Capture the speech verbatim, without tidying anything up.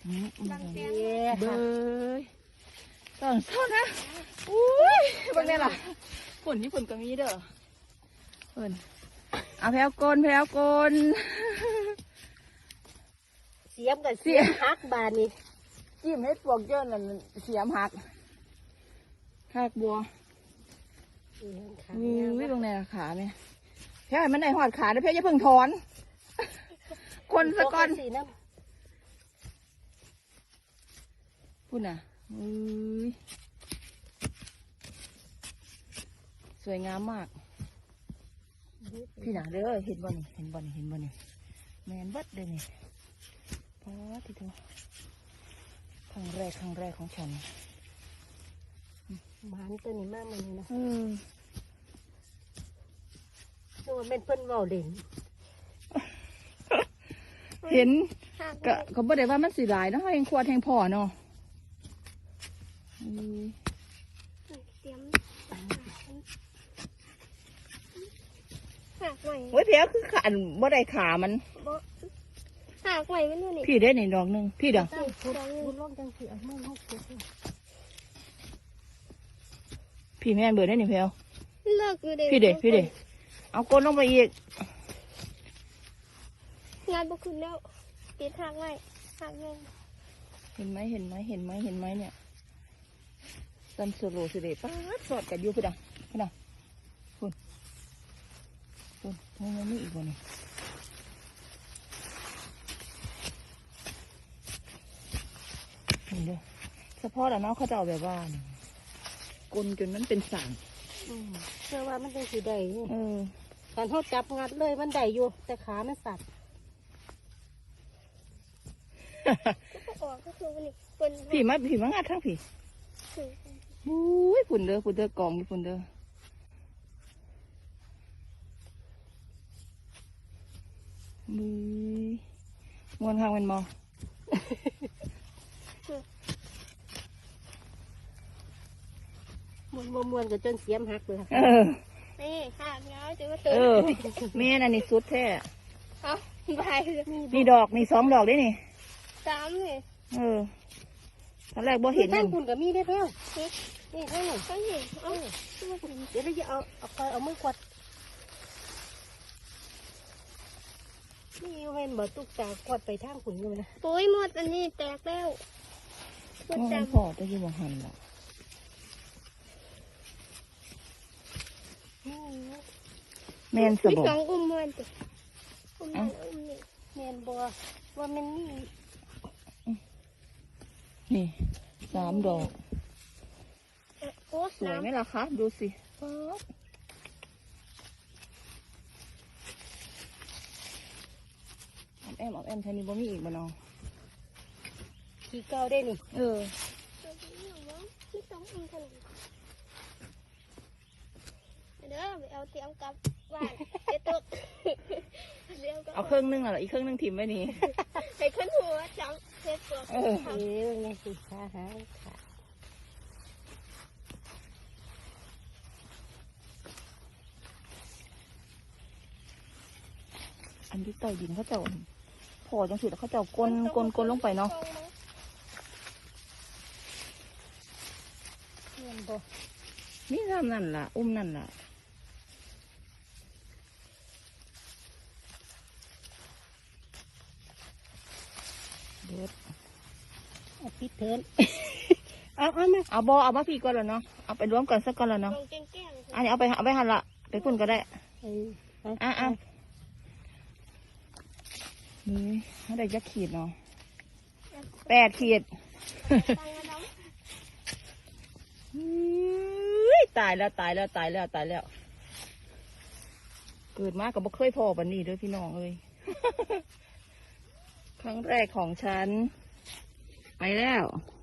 เบยตอนเช้านะอุ้ยบางเนี่ยล่ะฝนที่ฝนก็มีเด้อฝนเอาแพลวกลแพลวกลเสียมกับเสียมหักบานนี่จิ้มให้ปวกเยอะนั่นเสียมหักหักบัวอุ้ยตรงไหนขาไหมแพลวมันได้หอดขาแล้วแพลวจะเพิ่งถอนคนสะก้อนพูดน่ะอุ้ยสวยงามมากพี่หนาเด้อเห็นบ่นี่เห็นบ่นี่เห็นบ่นี่แมนเบิดเลยนี่พอที่ตัวครั้งแรกครั้งแรกของฉันมันตัวนี้มากมันนี่นะอืมตัวเป็นเพิ่นเว้าเด่นเห็นก็เขาบอกได้ว่ามันสีหลายเนาะแหงขวดแหงพ่อเนาะหักใหม่โอ้ยเพี้ยคือขาบ่ได้ขามันหักใหม่ไม่รู้นี่พี่ได้หนึ่งดอกหนึ่งพี่เด้อพี่แม่เบิดได้หนึ่งเพี้ยเลิกอยู่เด็กพี่เด้พี่เด้เอาก้นลงไปอีกงานบุกขึ้นแล้วปิดหักใหม่หักเงินเห็นไหมเห็นไหมเห็นไหมเห็นไหมเนี่ยตันโซโลสิเดป้าสอดกันอยู่พี่เด้อพี่เด้อคุณคุณมึงยังมีอีกวันนี้นี่เด้อเฉพาะแต่น้องเขาจะเอาแบบว่ากลนจนมันเป็นสั่งเชื่อว่ามันเป็นสีใดเออการทอดจับงัดเลยมันได้อยู่แต่ขามันสั่นก็ออกก็คือวันนี้ผีมาผีมางัดทั้งผีบุ้ยฝุ่นเด้อฝุ่นเด้อกองฝุ่นเด้อบุ้ยมวนข้างเป็นมอมวนมวนมวนกับจนเสียมหักเลยเออนี่หักเงาจะมาเติมเออแม่น่ะนี่สุดแท้เอาไปนี่ดอกนี่สองดอกได้นี่สามเลยเออตอนแรกบ่เห็นนั่นคุณกับมีได้แล้วนี่ให้หน่อยต้องเห็นเอาเดี๋ยวเราจะเอาเอาคอยเอามือกวดนี่เว้นบ่ตุกตากวดไปทางขุนเลยนะปุ้ยหมดอันนี้แตกแล้วหมดจำพอจะอยู่บ่หันละแมนสบสองอุ้มเงินติอุ้มเงินอุ้มนี่แมนบัวว่ามันนี่นี่สามดอกโอ้สวยไหมล่ะคะดูสิออมแอมออมแอมใช้มีบ่มีอีกบ่น้องขี้เก้าได้นี่เออที่สองอุ้มขนมเด้อไปเอาเตรียมกับบ้านเดี๋ยวตกเอาเครื่องนึงอะไรอีกเครื่องนึงถิ่มไว้นี่ให้ขึ้นหัวจังเซ็ตตัวเออเอ้ยนี่สิขาหางขาอันที่ใต้ดินเขาเจ้าพอจังสิแล้วเขาเจ้ากลนกลนกลนลงไปเนาะนี่ทำนั่นล่ะอุ้มนั่นล่ะเด็ดเอาปิดเทินเอาเอามาเอาบอเอามาพี่ก่อนแล้วเนาะเอาไปรวมกันสักก่อนแล้วเนาะอันนี้เอาไปเอาไปหั่นละไปพุ่นก็ได้อ่ะอ่ะนี่เขาได้ยักขีดเนาะแปดขีดตายแล้วตายแล้วตายแล้วตายแล้วเกิดมากับบ่เคยพอปันนี้ด้วยพี่น้องเอ้ยครั้งแรกของฉันไปแล้ว